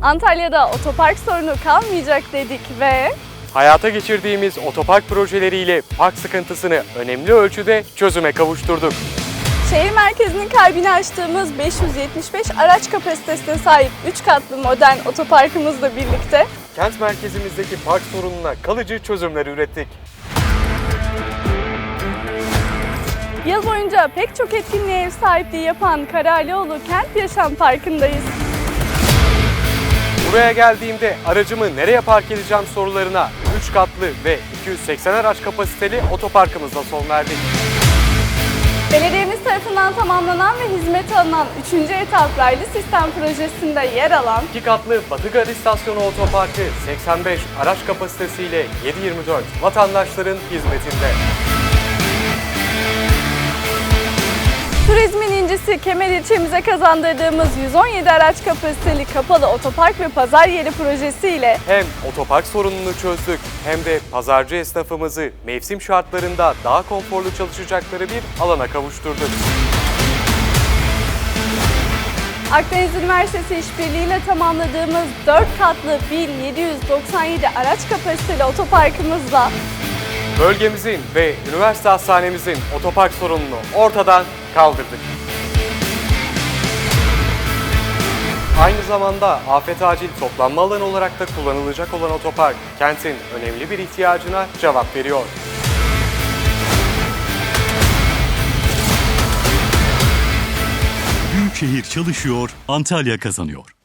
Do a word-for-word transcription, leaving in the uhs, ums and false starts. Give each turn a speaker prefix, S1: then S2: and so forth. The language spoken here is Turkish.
S1: Antalya'da otopark sorunu kalmayacak dedik ve
S2: Hayata geçirdiğimiz otopark projeleriyle park sıkıntısını önemli ölçüde çözüme kavuşturduk.
S1: şehir merkezinin kalbini açtığımız beş yüz yetmiş beş araç kapasitesine sahip üç katlı modern otoparkımızla birlikte
S2: Kent merkezimizdeki park sorununa kalıcı çözümler ürettik.
S1: yıl boyunca pek çok etkinliğe ev sahipliği yapan Karalioğlu Kent Yaşam Parkı'ndayız.
S2: Buraya geldiğimde aracımı nereye park edeceğim sorularına üç katlı ve iki yüz seksen araç kapasiteli otoparkımızla son verdik.
S1: Belediyemiz tarafından tamamlanan ve hizmete alınan üçüncü etap raylı sistem projesinde yer alan
S2: İki katlı Batı Gar İstasyonu Otoparkı seksen beş araç kapasitesiyle yedi yirmi dört vatandaşların hizmetinde.
S1: turizmin incisi Kemer ilçemize kazandırdığımız yüz on yedi araç kapasiteli kapalı otopark ve pazar yeri projesiyle
S2: Hem otopark sorununu çözdük hem de pazarcı esnafımızı mevsim şartlarında daha konforlu çalışacakları bir alana kavuşturduk.
S1: Akdeniz Üniversitesi işbirliğiyle tamamladığımız dört katlı bin yedi yüz doksan yedi araç kapasiteli otoparkımızla
S2: Bölgemizin ve üniversite hastanemizin otopark sorununu ortadan kaldırdık. Aynı zamanda afet acil toplanma alanı olarak da kullanılacak olan otopark, kentin önemli bir ihtiyacına cevap veriyor.
S3: Büyükşehir çalışıyor, Antalya kazanıyor.